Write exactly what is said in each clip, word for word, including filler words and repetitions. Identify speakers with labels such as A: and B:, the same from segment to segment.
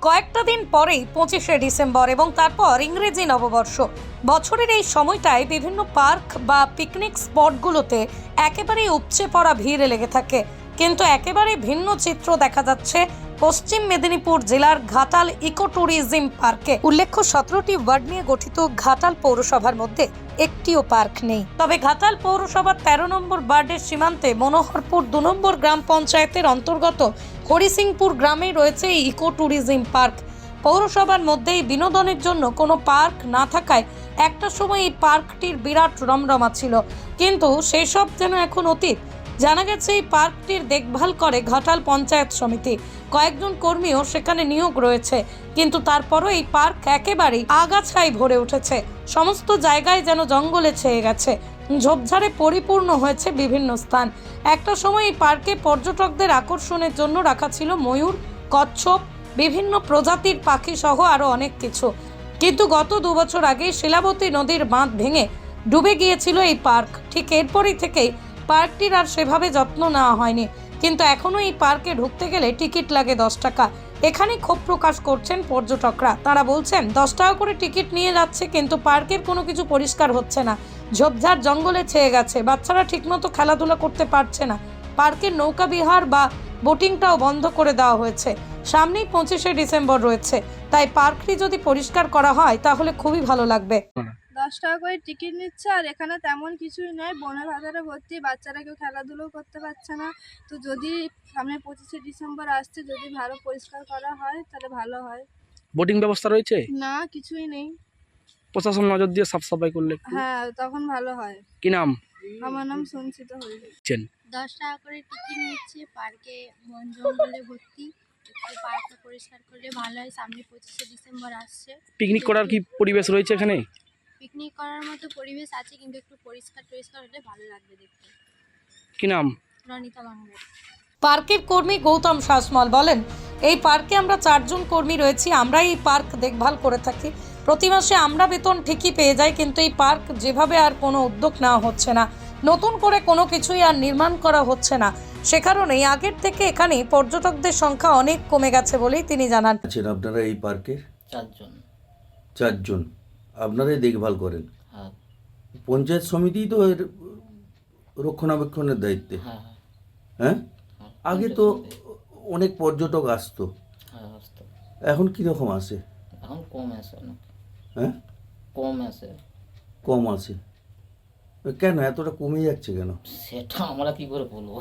A: কয়েকটা দিন পরেই পঁচিশে ডিসেম্বর এবং তারপর ইংরেজি নববর্ষ। বছরের এই সময়টায় বিভিন্ন পার্ক বা পিকনিক স্পটগুলোতে একেবারেই উপচে পড়া ভিড় লেগে থাকে, কিন্তু একেবারে ভিন্ন চিত্র দেখা যাচ্ছে পশ্চিম মেদিনীপুর জেলার ঘাটাল ইকো ট্যুরিজম পার্কে। উল্লেখ্য, সতেরোটি ওয়ার্ড নিয়ে গঠিত ঘাটাল পৌরসভার মধ্যে একটিও পার্ক নেই। তবে ঘাটাল পৌরসভার তেরো নম্বর ওয়ার্ডের সীমান্তে মনোহরপুর দু নম্বর গ্রাম পঞ্চায়েতের অন্তর্গত হরিসিংপুর গ্রামে রয়েছে এই ইকো ট্যুরিজম পার্ক। পৌরসভার মধ্যেই বিনোদনের জন্য কোনো পার্ক না থাকায় একটা সময় এই পার্কটির বিরাট রমরমা ছিল, কিন্তু সেসব যেন এখন অতীত। জানা গেছে এই পার্কটির দেখভাল করে ঘাটাল পঞ্চায়েত সমিতি, কয়েকজন কর্মীও সেখানে নিয়োগ রয়েছে, কিন্তু তারপরও এই পার্ক একেবারেই আগাছায় ভরে উঠেছে। সমস্ত জায়গায় যেন জঙ্গলে ছেয়ে গেছে, ঝোপঝাড়ে পরিপূর্ণ হয়েছে বিভিন্ন স্থান। একটা সময় এই পার্কে পর্যটকদের আকর্ষণের জন্য রাখা ছিল ময়ূর, কচ্ছপ, বিভিন্ন প্রজাতির পাখি সহ আরো অনেক কিছু, কিন্তু গত দু বছর আগে শিলাবতী নদীর বাঁধ ভেঙে ডুবে গিয়েছিল এই পার্ক। ঠিক এরপরই থেকেই পার্কটির আর সেভাবে যত্ন নেওয়া হয়নি, কিন্তু এখনো এই পার্কে ঢুকতে গেলে টিকিট লাগে দশ টাকা। এখানে ক্ষোভ প্রকাশ করছেন পর্যটকরা। তারা বলছেন দশ টাকা করে টিকিট নিয়ে যাচ্ছে, কিন্তু পার্কের কোনো কিছু পরিষ্কার হচ্ছে না, ঝোপঝাড় জঙ্গলে ছেয়ে গেছে, বাচ্চারা ঠিকমতো খেলাধুলা করতে পারছে না, পার্কের নৌকা বিহার বা বোটিংটাও বন্ধ করে দেওয়া হয়েছে। সামনেই পঁচিশে ডিসেম্বর রয়েছে, তাই পার্কটি যদি পরিষ্কার করা হয় তাহলে খুবই ভালো লাগবে।
B: দশ টাকা করে টিকিট নিচ্ছে, আর এখানে তেমন কিছুই নেই, বনের বাজারে ভর্তি, বাচ্চারা কেউ খেলাধুলো করতে পারছে না। তো যদি সামনে পঁচিশে ডিসেম্বর আসছে, যদি ভালো পরিষ্কার করা হয় তাহলে ভালো হয়।
C: বোটিং ব্যবস্থা রয়েছে?
B: না, কিছুই নেই।
C: প্রশাসন নজর দিয়ে সাফ সাফাই করলে
B: হ্যাঁ, তখন ভালো হয়।
C: কি নাম?
B: আমার নাম সঞ্চিতা হরিজন।
D: দশ টাকা করে টিকিট নিচ্ছে, পার্কে বন জঙ্গলে ভর্তি, একটু পার্কটা পরিষ্কার করলে ভালো হয়। সামনে পঁচিশে ডিসেম্বর আসছে।
C: পিকনিক করার কি পরিবেশ রয়েছে এখানে?
D: পিকনিক করার মতো পরিবেশ আছে, কিন্তু একটু পরিষ্কার পরিষ্কার হলে ভালো লাগবে দেখতে।
C: কি নাম?
D: রনিতা বাংলা।
A: পার্কের কর্মী গৌতম শাসমল বলেন, এই পার্কে আমরা চারজন কর্মী রয়েছি, আমরা এই পার্ক দেখভাল করে থাকি। প্রতি মাসে আমরা বেতন ঠিকই পেয়ে যাই, কিন্তু এই পার্ক যেভাবে আর কোনো উদ্যোগ নেওয়া হচ্ছে না, নতুন করে কোনো কিছুই আর নির্মাণ করা হচ্ছে না, সে কারণেই আগের থেকে এখানে পর্যটকদের সংখ্যা অনেক কমে গেছে বলেই তিনি জানান।
E: আছেন আপনারা এই পার্কের?
F: চারজন।
E: চারজন আপনারাই দেখভাল করেন?
F: হ্যাঁ
E: পঞ্চায়েত সমিতি তো এর রক্ষণাবেক্ষণের দায়িত্বে।
F: হ্যাঁ
E: হ্যাঁ,
F: হ্যাঁ
E: আগে তো অনেক পর্যটক আসতো,
F: হ্যাঁ আসতো।
E: এখন কীরকম আসে?
F: এখন কম আসে অনেক।
E: হ্যাঁ,
F: কম আসে।
E: কম আসে কেন? এতটা কমে যাচ্ছে কেন?
F: সেটা আমরা কি করে বলবো?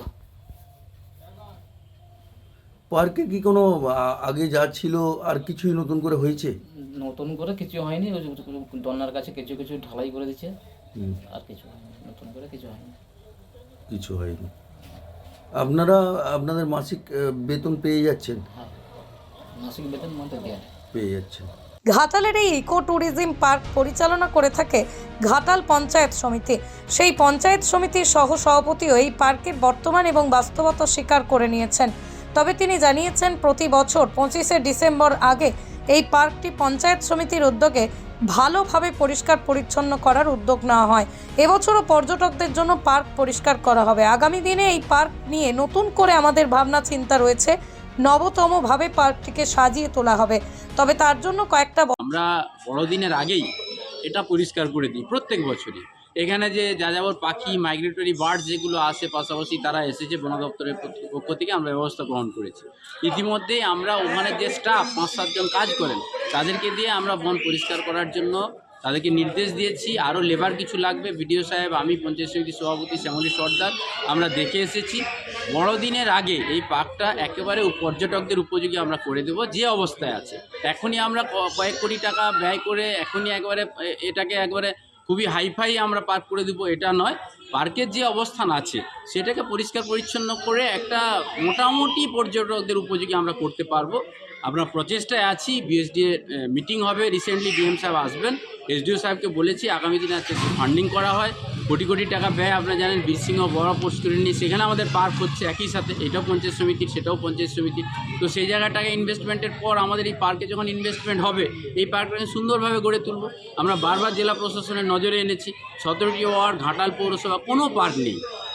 E: পার্কে কি কোনো আ- আগে যা ছিল আর কিছুই নতুন করে হয়েছে?
F: নতুন করে কিছু হয়নি, ওই যে দন্যার কাছে কিছু কিছু ঢালাই করে দিচ্ছে,
E: হুম,
F: আর কিছু হয়নি, নতুন করে কিছু হয়নি।
E: কিছু হয়নি। আপনারা আপনাদের মাসিক আহ, বেতন পেয়ে যাচ্ছেন?
F: হ্যাঁ, মাসিক বেতন মতো দেয়।
E: পেয়ে যাচ্ছেন।
A: ঘাটালের এই ইকো ট্যুরিজম পার্ক পরিচালনা করে থাকে ঘাটাল পঞ্চায়েত সমিতি। সেই পঞ্চায়েত সমিতির সহ সভাপতিও এই পার্কের বর্তমান এবং বাস্তবতা স্বীকার করে নিয়েছেন। তবে তিনি জানিয়েছেন, প্রতি বছর পঁচিশে ডিসেম্বর আগে এই পার্কটি পঞ্চায়েত সমিতির উদ্যোগে ভালোভাবে পরিষ্কার পরিচ্ছন্ন করার উদ্যোগ নেওয়া হয়। এবছরও পর্যটকদের জন্য পার্ক পরিষ্কার করা হবে। আগামী দিনে এই পার্ক নিয়ে নতুন করে আমাদের ভাবনা চিন্তা রয়েছে, নবতমভাবে পার্কটিকে সাজিয়ে তোলা হবে। তবে তার জন্য কয়েকটা
G: আমরা বড়দিনের আগেই এটা পরিষ্কার করে দিই প্রত্যেক বছরই। এখানে যে যাযাবর পাখি, মাইগ্রেটরি বার্ড যেগুলো আসে, পাশাপাশি তারা এসেছে, বন দপ্তরের পক্ষ থেকে আমরা ব্যবস্থা গ্রহণ করেছি। ইতিমধ্যেই আমরা ওখানে যে স্টাফ পাঁচ সাতজন কাজ করেন, তাদেরকে দিয়ে আমরা বন পরিষ্কার করার জন্য তাদেরকে নির্দেশ দিয়েছি। আরও লেবার কিছু লাগবে, বিডিও সাহেব, আমি, পঞ্চায়েত সমিতির সভাপতি শ্যামলী সর্দার আমরা দেখে এসেছি। বড়দিনের আগে এই পার্কটা একেবারে পর্যটকদের উপযোগী আমরা করে দেব যে অবস্থায় আছে। এখনই আমরা কয়েক কোটি টাকা ব্যয় করে এখনই একবারে এটাকে একবারে খুবই হাইফাই আমরা পার্ক করে দেবো এটা নয়। পার্কের যে অবস্থান আছে সেটাকে পরিষ্কার পরিচ্ছন্ন করে একটা মোটামুটি পর্যটকদের উপযোগী আমরা করতে পারবো। আমরা প্রচেষ্টায় আছি। বিএসডি এর মিটিং হবে রিসেন্টলি, ডিএম সাহেব আসবেন, এসডিও সাহেবকে বলেছি আগামী দিনে একটা ফান্ডিং করা হয়। কোটি কোটি টাকা ব্যয়, আপনারা জানেন বীরসিংহ বড় পোস্ট করে নিয়ে সেখানে আমাদের পার্ক হচ্ছে একই সাথে, এটাও পঞ্চায়েত সমিতির, সেটাও পঞ্চায়েত সমিতির। তো সেই জায়গাটাকে ইনভেস্টমেন্টের পর আমাদের এই পার্কে যখন ইনভেস্টমেন্ট হবে, এই পার্কটাকে সুন্দরভাবে গড়ে তুলব। আমরা বারবার জেলা প্রশাসনের নজরে এনেছি, সতেরোটি ওয়ার্ড ঘাটাল পৌরসভা কোনো পার্ক নেই,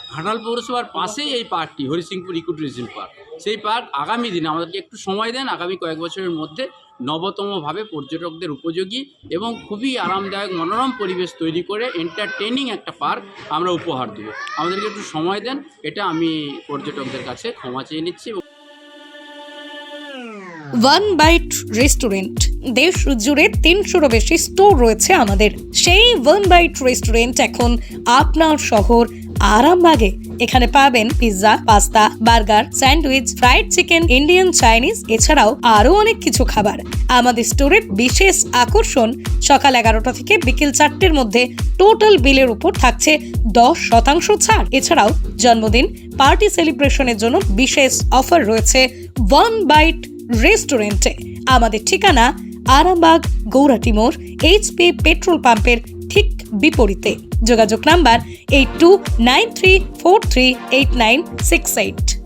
G: ঘাটাল পৌরসভার পাশেই এই পার্কটি হরিসিংপুর ইকো ট্যুরিজম পার্ক। সেই পার্ক আগামী দিনে আমাদেরকে একটু সময় দেন, আগামী কয়েক বছরের মধ্যে নবতমভাবে পর্যটকদের উপযোগী এবং খুবই আরামদায়ক মনোরম পরিবেশ তৈরি করে এন্টারটেইনিং একটা পার্ক আমরা উপহার দেবো। আমাদেরকে একটু সময় দেন, এটা আমি পর্যটকদের কাছে ক্ষমা চেয়ে নিচ্ছি।
A: ওয়ান বাইট রেস্টুরেন্ট, দেশ জুড়ে তিনশোরও বেশি স্টোর রয়েছে আমাদের। সেই ওয়ান বাইট রেস্টুরেন্ট এখন আপনার শহর আরামবাগে। এখানে পাবেন pizza, pasta, burger, sandwich, fried chicken, Indian, Chinese, এছাড়াও আরো অনেক কিছু খাবার। আমাদের স্টোরের বিশেষ আকর্ষণ, সকাল এগারোটা থেকে বিকেল চারটের মধ্যে টোটাল বিলের উপর থাকছে দশ শতাংশ ছাড়। এছাড়াও জন্মদিন, পার্টি সেলিব্রেশনের জন্য বিশেষ অফার রয়েছে ওয়ান বাইট রেস্টুরেন্টে। আমাদের ঠিকানা আরামবাগ গৌরাটি মোড়, এইচপি পেট্রোল পাম্পের ঠিক বিপরীতে। যোগাযোগ number eight two nine three four three eight nine six eight.